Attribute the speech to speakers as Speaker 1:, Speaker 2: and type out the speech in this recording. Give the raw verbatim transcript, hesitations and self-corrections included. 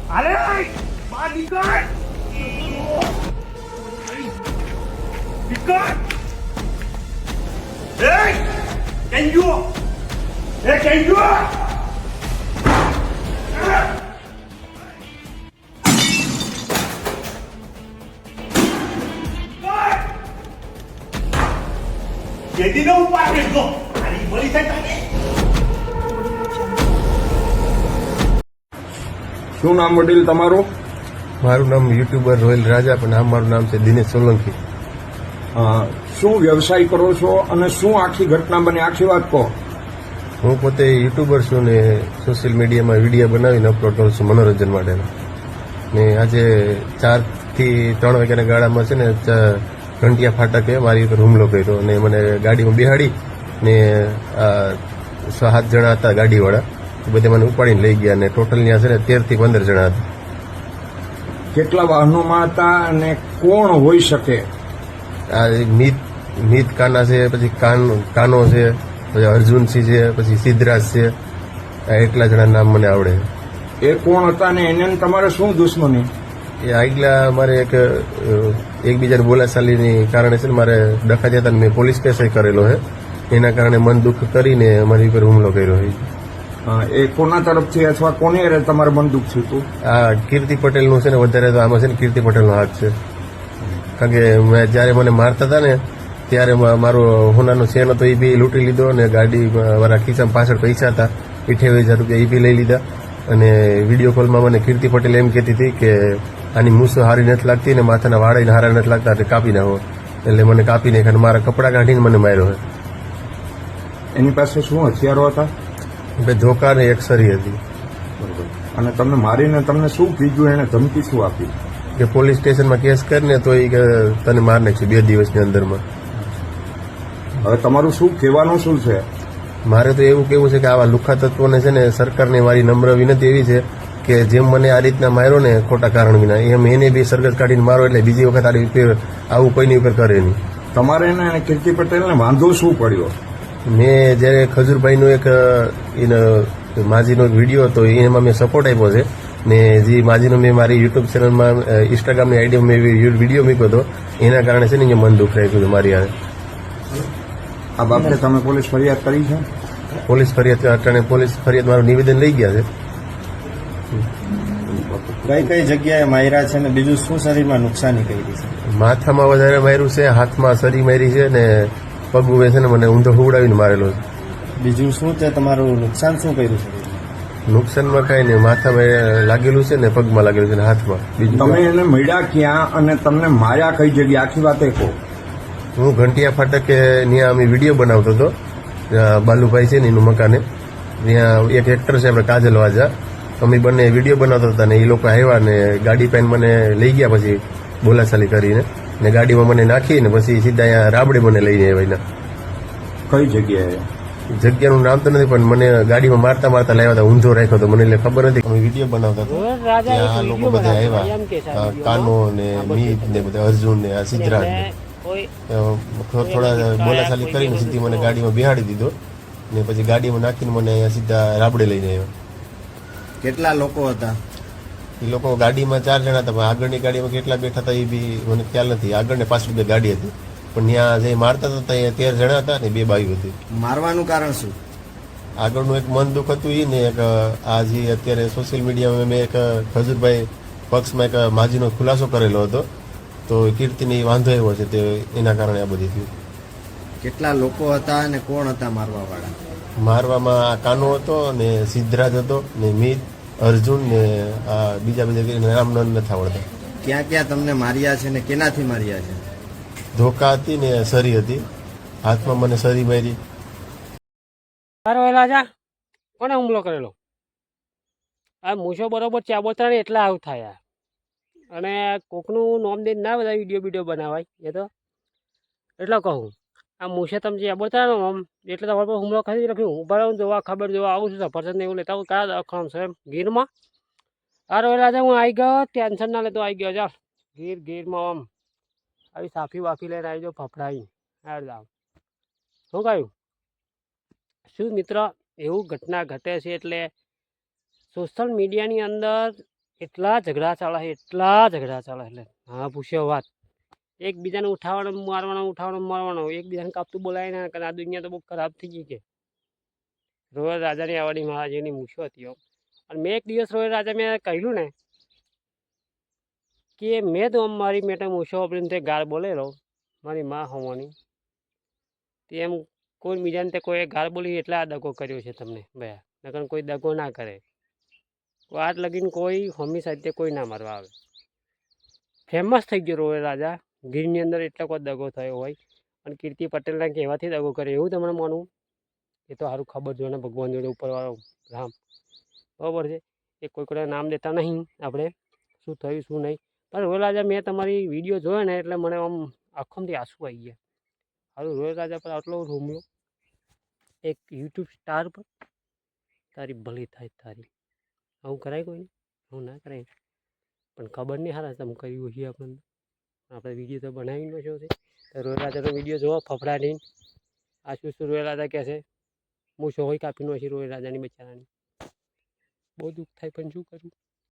Speaker 1: અરે બહાર નીકળ નીકળ એ કેન્જુ એ કેન્જુ કેદીનો ઉપાડ કરજો આની મળી જાય
Speaker 2: શું નામ વડીલ તમારું?
Speaker 3: મારું નામ યુટ્યુબર રોયલ રાજા, પણ આ મારું નામ છે દિનેશ સોલંકી.
Speaker 2: અ, શું વ્યવસાય કરો છો અને શું આખી ઘટના બની, આખી વાત કહો.
Speaker 3: હું પોતે યુટ્યુબર છું ને સોશિયલ મીડિયામાં વિડીયો બનાવીને અપલોડ કરું છું મનોરંજન માટેના. ને આજે ચારથી ત્રણ વાગ્યાના ગાળામાં છે ને ઘંટિયા ફાટકે મારી ઉપર હુમલો કર્યો અને મને ગાડીમાં બેહાડી ને સાત જણા હતા ગાડીવાળા, બધે મને ઉપાડીને લઈ ગયા. અને ટોટલ ત્યાં છે ને તેરથી પંદર જણા હતા.
Speaker 2: કેટલા વાહનોમાં હતા અને કોણ હોઈ શકે?
Speaker 3: આ મીત મીત કાના છે, પછી કાન કાનો છે, પછી અર્જુનસિંહ છે, પછી સિદ્ધરાજ છે. આ એટલા જણા નામ મને આવડે.
Speaker 2: એ કોણ હતા ને એને તમારે શું દુશ્મની?
Speaker 3: એ આગલા મારે એક એકબીજાની બોલાચાલીની કારણે છે ને મારે ડખા જતા મેં પોલીસ કેસ કરેલો છે. એના કારણે મન દુઃખ કરીને મારી ઉપર હુમલો કર્યો છે.
Speaker 2: એ કોના તરફથી અથવા કોની હારે તમારે બંદૂક થયું હતું?
Speaker 3: આ કીર્તિ પટેલનું છે ને, વધારે તો આમાં છે ને કીર્તિ પટેલનો હાથ છે. કારણ કે મેં જ્યારે મને મારતા હતા ને ત્યારે મારો હોનાનો ચેન હતો એ બી લૂંટી લીધો અને ગાડી મારા ખિસ્સામાં પાછળ પૈસા હતા અઠ્યાવીસ હજાર રૂપિયા એ બી લઈ લીધા. અને વિડીયો કોલમાં મને કીર્તિ પટેલ એમ કહેતી હતી કે આની મૂસો હારી નથી લાગતી ને માથાના વાળા હારા નથી લાગતા એટલે કાપી નાખો. એટલે મને કાપી નાખ્યા અને મારા કપડાં કાઢીને મને માર્યો છે.
Speaker 2: એની પાસે શું હથિયારો હતા?
Speaker 3: બે ધોકા ને એક સરી હતી.
Speaker 2: અને તમને મારીને તમને શું કીધું, એને ધમકી શું આપી?
Speaker 3: કે પોલીસ સ્ટેશનમાં કેસ કરીને તો એ કે તને માર નાખશું બે દિવસની અંદરમાં.
Speaker 2: હવે તમારું શું કહેવાનું શું છે?
Speaker 3: મારે તો એવું કેવું છે કે આવા લુખ્ખા તત્વોને છે ને સરકારને મારી નમ્ર વિનંતી એવી છે કે જેમ મને આ રીતના માર્યો ને ખોટા કારણ વિના, એમ એને બી સરગત કાઢીને મારો એટલે બીજી વખત આ રીતે આવું કોઈની ઉપર કરે નહીં.
Speaker 2: તમારે એને અને કીર્તિ પટેલને વાંધો શું પડ્યો?
Speaker 3: મેં જ્યારે ખજૂરભાઈનો એક એનો માજીનો એક વિડીયો હતો એમાં મેં સપોર્ટ આપ્યો છે ને જે માજીનો મેં મારી યુટ્યુબ ચેનલમાં ઇન્સ્ટાગ્રામની આઈડીમાં મેં વિડીયો મૂક્યો હતો એના કારણે છે ને અહીંયા મન દુઃખ રાખ્યું હતું મારી હારે.
Speaker 2: આ બાબતે તમે પોલીસ ફરિયાદ કરી છે?
Speaker 3: પોલીસ ફરિયાદ અટાણે પોલીસ ફરિયાદ મારું નિવેદન લઈ ગયા છે.
Speaker 4: કઈ કઈ જગ્યાએ માર્યા છે ને બીજું શું શરીરમાં નુકસાની કરી છે?
Speaker 3: માથામાં વધારે માર્યું છે, હાથમાં સરી મારી છે ને પગ છે ને મને ઊંધો હુવડાવીને મારેલો છે.
Speaker 4: બીજું શું છે તમારું નુકસાન શું કર્યું છે?
Speaker 3: નુકસાનમાં કઈ નહીં, માથામાં લાગેલું છે ને પગમાં લાગેલું છે ને હાથમાં. બીજું
Speaker 2: તમે એને મળ્યા ક્યાં અને તમને માર્યા કઈ જગ્યાએ, આખી વાત એ કહો.
Speaker 3: હું ઘંટિયા ફાટકે ત્યાં અમે વિડીયો બનાવતો હતો, બાલુભાઈ છે ને એનું મકાને. ત્યાં એક એક્ટર છે આપણે કાજલ વાજા, અમે બંને વિડીયો બનાવતા હતા ને એ લોકો આવ્યા ને ગાડી પાઈને મને લઈ ગયા, પછી બોલાચાલી કરીને ને ગાડીમાં મને નાખી ને પછી સીધા અહીંયા રાબડે મને લઈને આવ્યા.
Speaker 2: કઈ જગ્યાએ?
Speaker 3: જગ્યાનું નામ તો નથી પણ મને ગાડીમાં મારતા મારતા લાવ્યા હતા, ઊંધો રાખ્યો હતો, મને એટલે ખબર નથી. અમે વિડીયો બનાવતા હતા ત્યાં આ લોકો બધા આવ્યા, કાનો ને મીત ને બધા અર્જુન ને આ સિદ્ધરાજ ને થોડા બોલાચાલી કરીને સીધી મને ગાડીમાં બેહાડી દીધો ને પછી ગાડીમાં નાખીને મને અહીંયા સીધા રાબડે લઈને આવ્યો.
Speaker 4: કેટલા લોકો હતા?
Speaker 3: એ લોકો ગાડીમાં ચાર જણા હતા, પણ આગળની ગાડીમાં કેટલા બેઠા હતા એ બી મને ખ્યાલ નથી. આગળ ને પાછળ બે ગાડી હતી, પણ ત્યાં જે મારતા હતા ત્યાં તેર જણા હતા ને બે બાઈઓ હતી.
Speaker 4: મારવાનું કારણ શું?
Speaker 3: આગળનું એક મન દુઃખ હતું એ ને એક આ જે અત્યારે સોશિયલ મીડિયામાં મેં એક ખજૂરભાઈ પક્ષમાં એક માજીનો ખુલાસો કરેલો હતો, તો કીર્તિને વાંધો એવો છે તે એના કારણે આ બધી થયું.
Speaker 4: કેટલા લોકો હતા અને કોણ હતા મારવા વાળા?
Speaker 3: મારવામાં આ કાનો હતો ને સિદ્ધરાજ હતો ને મીત, અર્જુન ને આ બીજા બીજા નામ નથી આવડતા.
Speaker 4: ક્યાં ક્યાં તમને માર્યા છે ને કેનાથી માર્યા છે?
Speaker 3: ધોકા હતી ને સરી હતી, હાથમાં મને સરી મારી.
Speaker 5: રાજા કોને હુમલો કરેલો? આ મૂછો બરોબર ચાબોતરા ને એટલા આવું થાય. અને કોકનું નોમ દઈને ના બધા વિડીયો વિડીયો બનાવાય એ તો એટલે કહું. આ મૂછે તમે જે બોલતા આમ એટલે તમારે પર હુમલો કરી રાખ્યું. હું બરાબર જોવા ખબર જોવા આવું છું, સફરજન એવું લેતા હું કયા દવાખાનું છે એમ ગીરમાં. અરે રાજા હું આવી ગયો, ટેન્શન ના લેતો આવી ગયો. ચાલ ગીર ગીરમાં આમ આવી સાફી વાફી લઈને આવી જાઓ ફફડાવી. હાર જાવ શું કહ્યું? શું મિત્ર એવું ઘટના ઘટે છે એટલે સોશિયલ મીડિયાની અંદર એટલા ઝઘડા ચાલે છે એટલા ઝઘડા ચાલે એટલે હા પૂછ્યો વાત એકબીજાને ઉઠાવવાનો મારવાનો ઉઠાવવાનો મારવાનો એકબીજાને કાપતું બોલાય ને આ દુનિયા તો બહુ ખરાબ થઈ ગઈ કે રોયલ રાજાની આવવાની મહારાજીની મૂછો હતી એમ અને મેં એક દિવસ રોયલ રાજા મેં કહ્યું ને કે મેં તો આમ મારી મેટે મૂછો આપીને તે ગાળ બોલેલો મારી માં હોવાની તે એમ કોઈ બીજાને તે કોઈ ગાળ બોલી એટલે આ દગો કર્યો છે તમને ભયા નકર કોઈ દગો ના કરે વાત લગીને કોઈ હોમી સાહિત્ય કોઈ ના મારવા આવે ફેમસ થઈ ગયો રોયલ રાજા ગીરની અંદર એટલો કોઈ દગો થયો હોય અને કીર્તિ પટેલના કહેવાથી દગો કરે એવું તમને માનવું એ તો સારું ખબર જોઈએ ને ભગવાન જોડે ઉપરવાળો રામ બરાબર છે એ કોઈ કોઈ નામ દેતા નહીં આપણે શું થયું શું નહીં પણ રોયલ રાજા મેં તમારી વિડીયો જોયો ને એટલે મને આમ આંખોમાંથી આંસુ આવી ગયા સારું રોયલ રાજા પર આટલો હુમલો એક યુટ્યુબ સ્ટાર પર તારી ભલી થાય તારી આવું કરાય કોઈ આવું ના કરાય પણ ખબર નહીં હારા તમે કર્યું હશે આપણને આપણે વિડીયો તો બનાવી નો છો છે તો રોયલ રાજાનો વિડીયો જોવો ફફડાટીને આ શું શું રોયલ રાજા કહે છે હું સો હોય કાપી નો છે રોયલ રાજાની બચારાની બહુ દુઃખ થાય પણ શું કરું